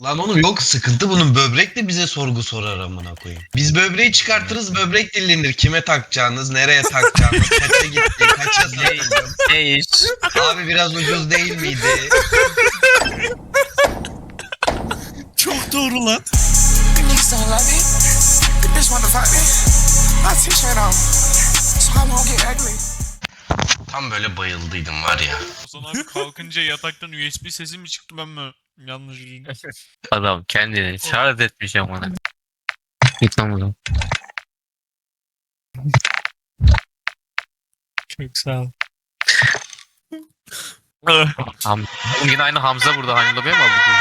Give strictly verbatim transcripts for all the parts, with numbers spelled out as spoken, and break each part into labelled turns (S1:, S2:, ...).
S1: Lan oğlum yok sıkıntı bunun böbrek de bize sorgu sorar amına koyayım. Biz böbreği çıkartırız böbrek dinlenir. Kime takacağınız, nereye takacağınız, kaça gitti, kaça satıldı.
S2: Ne iş?
S1: Abi biraz ucuz değil miydi?
S3: Çok doğru lan.
S4: Niggas don't love me. The bitch wanna fuck me. My t-shirt on, so I won't get ugly.
S1: Tam böyle bayıldıydım var ya.
S3: Ozan abi kalkınca yataktan U S B sesi mi çıktı, ben mi yanlış duydum?
S2: Adam kendini şarj etmiş amına. Git lan buradan.
S3: Çok sağ ol.
S2: Ham Oğlum yine aynı Hamza burada. Hani lobiye mi aldık?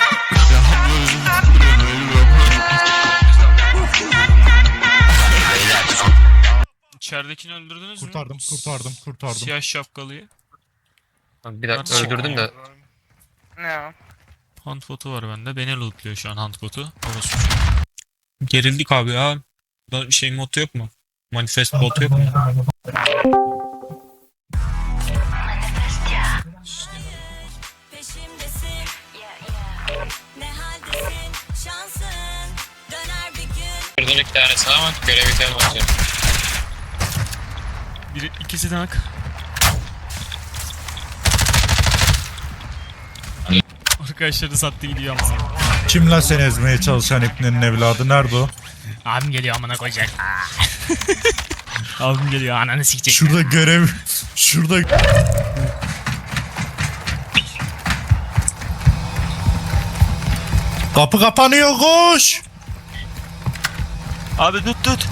S3: İçeridekini öldürdünüz mü?
S5: Kurtardım, kurtardım, kurtardım.
S3: Siyah şapkalıyı.
S2: Bir dakika
S3: Nasıl
S2: öldürdüm de.
S4: No.
S3: Hunt botu var bende. Beni lootluyor şu an hunt botu. Orası. Gerildik abi ya. Da şey mod yok mu? Manifest bot yok mu?
S6: Peşimdesin, ne haldesin, şansın döner bir gün.
S2: Buradan iki tanesi ama görevi sen basıyor.
S3: Biri, ikisi de hak. Arkadaşları sattı gidiyor ama.
S5: Kim lan seni ezmeye çalışan ipnenin evladı? Nerede o?
S3: Abim geliyor amına koyacak. Abim geliyor ananı sikecek.
S5: Şurada görev... Şurada... Kapı kapanıyor, koş!
S3: Abi tut tut.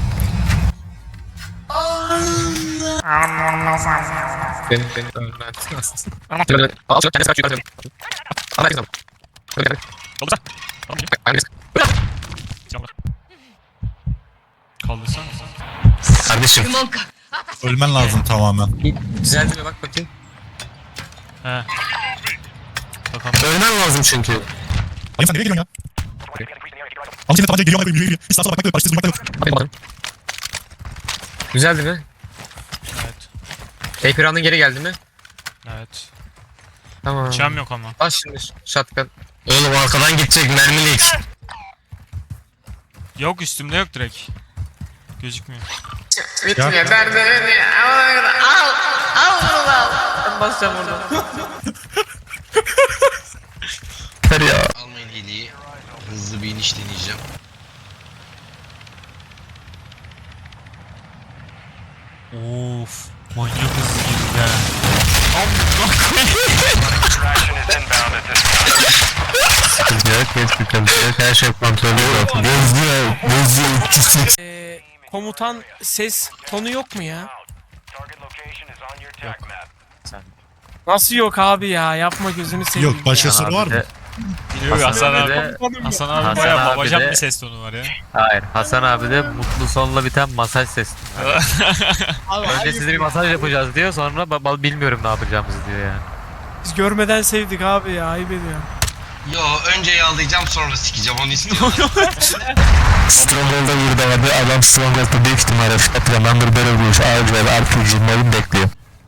S2: Ben ben önden. Al şu kendisi kaç yukarı. Al herkes al.
S3: Kaldırsana. Kaldırsan.
S2: Kardeşim.
S5: Ölmen lazım tamamen.
S2: Düzeldi mi bak bakayım.
S3: He. Bakalım.
S2: Ölmen lazım çünkü.
S5: Ali sen nereye geliyorsun ya? Ama senin tabanca geliyor ama geliyor. Hiç sağa sola bakmak yok, başta durmak da yok.
S2: Bakayım bakalım. Düzeldi mi?
S3: Evet.
S2: Ekranın geri geldi mi?
S3: Evet.
S2: Tamam.
S3: Çam yok ama.
S2: Bas şimdi shotgun. Oğlum arkadan gidecek mermilik.
S3: Yok üstümde yok direkt. Gözükmüyor.
S2: Bitmiyor derdini. Al al bunu al. Ben basacağım orada. Hadi ya.
S1: Almayın hediyeyi. Hızlı bir iniş deneyeceğim.
S3: Of. Manyak hızlı girdi ha.
S2: Sıkıntı yok, hiç sıkıntı yok. Her şey kontrolü yok. Gözlüyor, gözlüyor. üç yüz seksen.
S7: Ee, komutan ses tonu yok mu ya? Nasıl yok abi ya? Yapma gözünü seveyim.
S5: Yok, başkası var mı?
S3: Yok Hasan abi.
S2: de-
S3: Hasan abi
S2: Hasan
S3: bayağı
S2: abi
S3: babacan
S2: de-
S3: bir ses tonu var ya.
S2: Hayır, Hasan abi de mutlu sonla biten masaj sesi. Önce size bir masaj yapacağız diyor, sonra ba- ba- bilmiyorum ne yapacağımızı diyor yani.
S7: Biz görmeden sevdik abi ya. Ayıp ediyor.
S1: Yo önce yağlayacağım sonra sikeceğim onu istiyorum.
S2: Stronghold'a burada vardı. Adam Stronghold'da büyük ihtimalle Shotgun'dan böyle vurmuş. Ağır ve R P G'lerin bekliyor.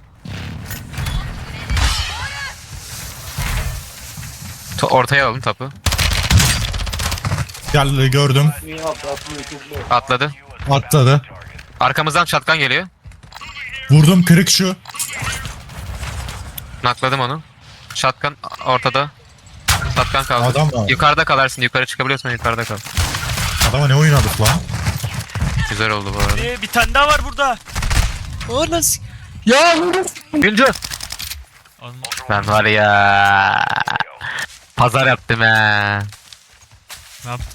S2: To- Ortaya alalım tapu.
S5: Geldi, gördüm.
S2: Atladı.
S5: Atladı.
S2: Arkamızdan shotgun geliyor.
S5: Vurdum, kırık şu.
S2: Nakladım onu. Shotgun ortada. Shotgun kaldı.
S5: Adam var.
S2: Yukarıda kalarsın. Yukarı çıkabiliyorsan yukarıda kal.
S5: Adama ne oynadık lan?
S2: Güzel oldu bu arada.
S3: Ee, bir tane daha var burada.
S2: Güncü. Ben var ya. Pazar yaptım he.
S3: Ne yaptın?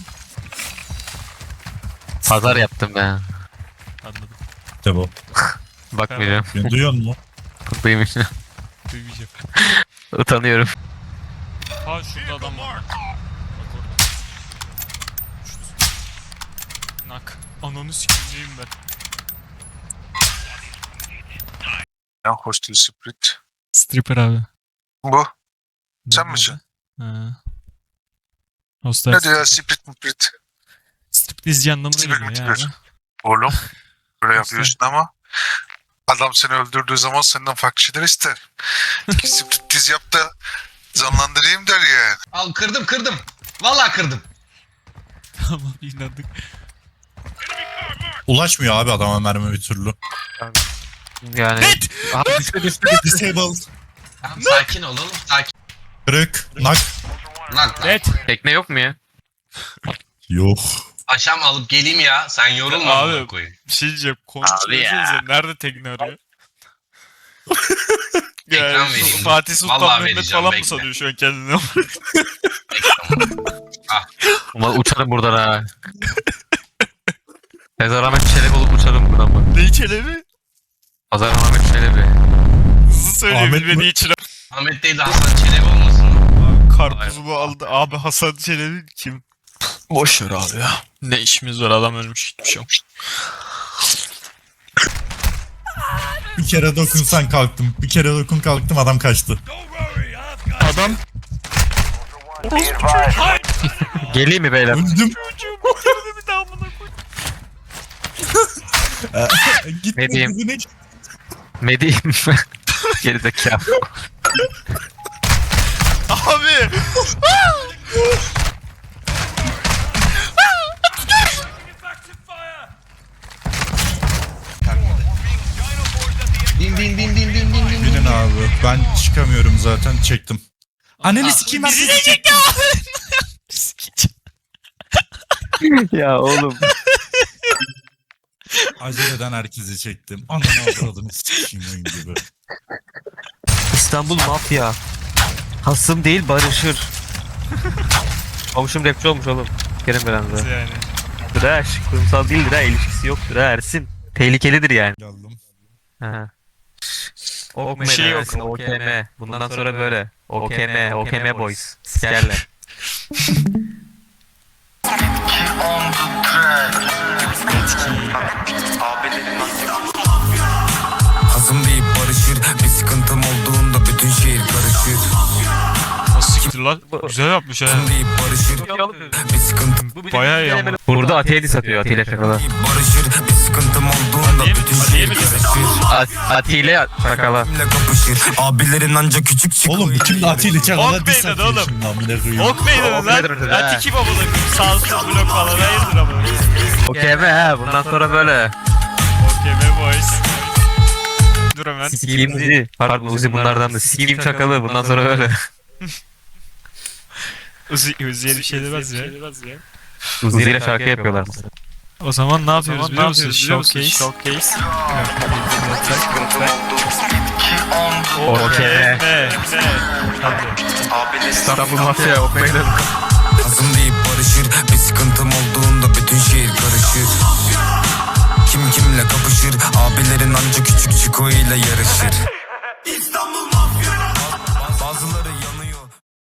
S2: Pazar yaptım he.
S3: Anladım.
S5: İşte bu.
S2: Bakmayacağım.
S5: Beni duyuyor musun?
S2: Duymuş.
S3: Duymayacağım.
S2: Utanıyorum.
S3: Ha şurada adam var. Bak orada. Şurada. Nak. Ananı sikeceğim ben.
S8: Ya Hostel Split.
S3: Stripper abi.
S8: Bu. Sen misin?
S3: Ha. Hostel
S8: Ne diyor ya Split Split?
S3: Striptizci anlamına
S8: Sibel
S3: geliyor ya.
S8: Mitibir. Oğlum. Böyle
S3: Hostel.
S8: yapıyorsun ama adam seni öldürdüğü zaman senden farklı şeyler ister. Split diz yap da canlandırayım der ya.
S1: Al kırdım kırdım. Vallahi kırdım.
S3: Tamam inandık.
S5: Ulaşmıyor abi adama mermi bir türlü.
S2: Yani. Abi düştü düştü.
S5: Disabled.
S1: Tamam, sakin olalım. Sakin.
S5: Kırık. Nak.
S1: Lan lan.
S7: Net.
S2: Tekne yok mu ya?
S5: Yok.
S1: Aşam alıp geleyim ya. Sen yorulma
S3: Abi.
S1: amına koyayım.
S3: Bir şey diyeceğim.
S2: Abi ya.
S3: Konuşuyorsunuz nerede tekne arıyor?
S1: Ekran
S3: Yani
S1: vereyim.
S3: Fatih Sultan
S1: Vallahi
S3: Mehmet
S1: vereceğim,
S3: falan
S1: bekle.
S3: mı sanıyor şu an kendini?
S2: Ulan uçarım buradan ha. Pazar Ahmet Çelebi olup uçarım buradan bak.
S3: Ne içeleri?
S2: Pazar Ahmet Çelebi.
S3: Hızlı söyleyeyim
S5: Ahmet
S3: beni
S5: mi?
S3: içine.
S1: Ahmet değil de Hasan Çelebi olmasın mı?
S3: Karpuzumu aldı. Abi Hasan Çelebi kim? Boş ver abi ya. Ne işimiz var, adam ölmüş gitmiş yok.
S5: Bir kere dokunsan kalktım. Bir kere dokun kalktım adam kaçtı.
S3: Adam
S2: Geleyim mi beyler?
S5: Öldüm.
S3: çocuğu kurtardı bir daha buna koy.
S5: Gitme
S2: Ne diyeyim?
S5: kızını.
S2: Mediyim. Gerizekalı.
S3: Abi.
S1: Bin bin bin bin bin bin bin.
S5: Bilin abi. Ben çıkamıyorum zaten çektim. Anneni sikeyim herkesi çektim.
S2: Ya oğlum.
S5: Aceleden herkesi çektim. Ananı avradını sikeyim oyun gibi.
S2: İstanbul mafya. Hasım değil barışır. Komşum rapçi olmuş oğlum. Kerim Beren'de.
S3: Yani.
S2: Trash. Kurumsal değildir ha. İlişkisi yoktur ha Ersin. Tehlikelidir yani.
S5: Geldim.
S2: Ha. Ok
S3: Bir şey yok.
S2: Ersin, O K M. Bundan sonra böyle. O K M, O K M boys. Sikerler.
S9: Hazım deyip barışır. Bir sıkıntım olduğunda bütün şehir karışır.
S3: Nasıl siktir lan? Güzel yapmış ha.
S9: Hazım deyip barışır. Bir sıkıntım
S3: Bayağı iyi ama.
S2: Burada Atiye dis atıyor Atilla Çakala.
S9: deyip barışır. Bir sıkıntım olduğunda
S3: Değil mi?
S9: bütün
S3: Değil
S9: şehir
S3: mi?
S9: karışır.
S2: At Atilla Çakala.
S9: Kimle kapışır? Abilerin anca küçük çıkıyor.
S5: Oğlum kimle Atilla Çağlar'a
S3: Ok
S5: diss
S3: meydanı
S5: atıyor
S3: oğlum.
S5: şimdi amına koyayım.
S3: Ok meydanı
S2: Ok meydanı
S3: lan.
S2: dedi,
S3: Lan
S2: ha.
S3: tiki babalı. Sağsız blok falan. Hayırdır ama.
S2: O K M ha. Bundan sonra böyle.
S3: Okey be boys. Dur hemen.
S2: Sikiyim Uzi. Pardon Uzi bunlardan da. Sikiyim Çakalı. Bundan sonra böyle.
S3: Uzi, Uzi'ye bir şey demez ya.
S2: Uzi ile şarkı yapıyorlar mesela.
S3: O zaman ne yapıyoruz biliyor musun? Showcase. Showcase.
S2: O K M.
S3: Ne? Hadi.
S2: İstanbul mafya. O K M.
S9: Hazım deyip barışır. Bir sıkıntım olduğunda bütün şehir karışır. Kim kimle kapışır? Abilerin anca küçük çiko ile yarışır.